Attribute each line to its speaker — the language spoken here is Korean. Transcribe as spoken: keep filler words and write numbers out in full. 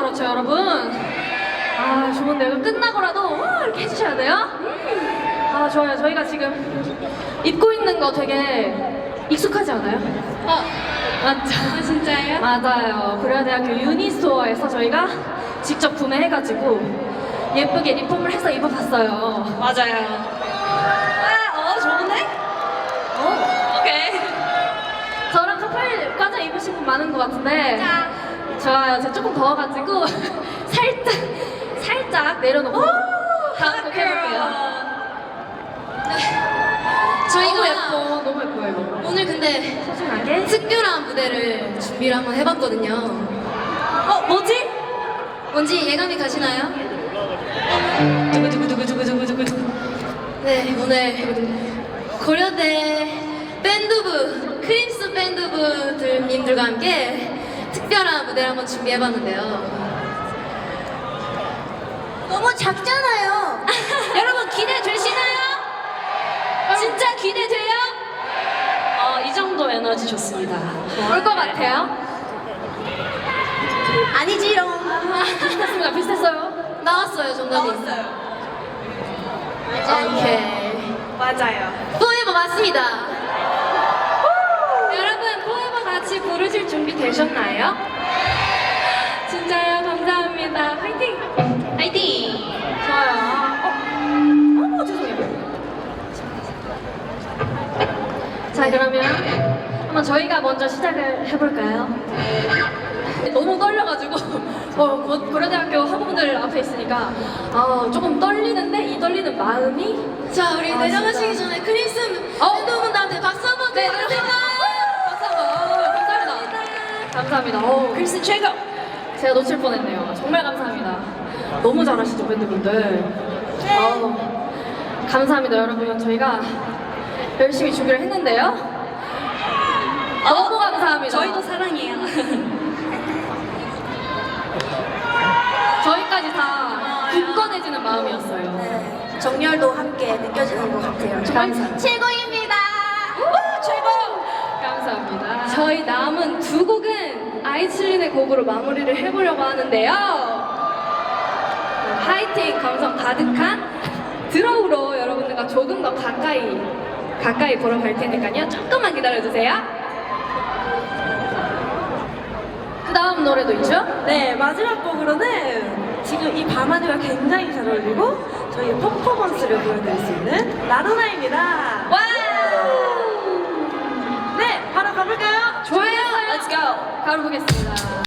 Speaker 1: 그렇죠, 여러분. 아, 좋은데요. 그럼 끝나고라도 와, 이렇게 해주셔야 돼요. 아, 좋아요. 저희가 지금 입고 있는 거 되게 익숙하지 않아요?
Speaker 2: 어,
Speaker 1: 맞죠?
Speaker 2: 아, 진짜예요?
Speaker 1: 맞아요. 고려대학교 유니스토어에서 저희가 직접 구매해가지고 예쁘게 리폼을 해서 입어봤어요.
Speaker 2: 맞아요. 아, 어, 좋은데?
Speaker 1: 어.
Speaker 2: 오케이.
Speaker 1: 저랑 커플 과자 입으신 분 많은 것 같은데.
Speaker 2: 자.
Speaker 1: 좋아요. 제가 조금 더워가지고 살짝 살짝 내려놓고 다음 곡 해볼게요.
Speaker 2: 저희가
Speaker 1: 너무 예뻐, 너무 예뻐요 이거.
Speaker 2: 오늘 근데
Speaker 1: 소중하게.
Speaker 2: 특별한 무대를 준비를 한번 해봤거든요.
Speaker 1: 어, 뭐지?
Speaker 2: 뭔지 예감이 가시나요?
Speaker 1: 두구두구두구두구두구두구.
Speaker 2: 네, 오늘 고려대 밴드부, 크림스 밴드부님들과 함께 특별한 무대를 한번 준비해봤는데요. 너무 작잖아요. 여러분 기대되시나요? 진짜 기대돼요?
Speaker 1: 어, 이 정도 에너지 좋습니다. 올 것 같아요?
Speaker 2: 아니지롱.
Speaker 1: 비슷했습니다. 비슷했어요.
Speaker 2: 나왔어요, 정답이. 나왔어요. 오케이.
Speaker 3: 맞아요.
Speaker 2: 포에버 맞습니다. 여러분, 포에버 같이 부르실 준비 되셨나요?
Speaker 1: 진짜요? 감사합니다. 화이팅!
Speaker 2: 화이팅!
Speaker 1: 좋아요. 어? 어, 죄송해요. 자, 그러면 한번 저희가 먼저 시작을 해볼까요? 너무 떨려가지고 어, 고- 고려대학교 학우분들 앞에 있으니까 아, 조금 떨리는데 이 떨리는 마음이
Speaker 2: 자, 우리
Speaker 1: 아,
Speaker 2: 내려가시기
Speaker 1: 진짜.
Speaker 2: 전에 크림슨
Speaker 1: 어?
Speaker 2: 밴드분들한테 박수 한번
Speaker 1: 네,
Speaker 2: 드려주세요.
Speaker 1: 박수 한번. 어, 감사합니다. 감사합니다. 어,
Speaker 2: 크림슨 최고!
Speaker 1: 제가 놓칠 뻔했네요. 정말 감사합니다. 너무 잘하시죠, 밴드분들. 어, 감사합니다, 여러분. 저희가 열심히 준비를 했는데요. 너무 감사합니다.
Speaker 2: 저희도 사랑해요.
Speaker 1: 저희까지 다 굳건해지는 마음이었어요.
Speaker 3: 네, 정열도 함께 느껴지는 것 같아요.
Speaker 1: 감사합니다.
Speaker 2: 최고입니다.
Speaker 1: 최고! 감사합니다. 저희 남은 두 곡은 아이칠린의 곡으로 마무리를 해보려고 하는데요. 하이틴 감성 가득한 드로우로 여러분들과 조금 더 가까이 가까이 보러 갈 테니까요. 조금만 기다려주세요. 그 다음 노래도 있죠?
Speaker 3: 네, 마지막 곡으로는 지금 이 밤하늘과 굉장히 잘 어울리고 저희 퍼포먼스를 보여드릴 수 있는 라루나입니다.
Speaker 1: 와우!
Speaker 3: 네, 바로 가볼까요?
Speaker 1: 좋아요. Let's go. 가로 보겠습니다.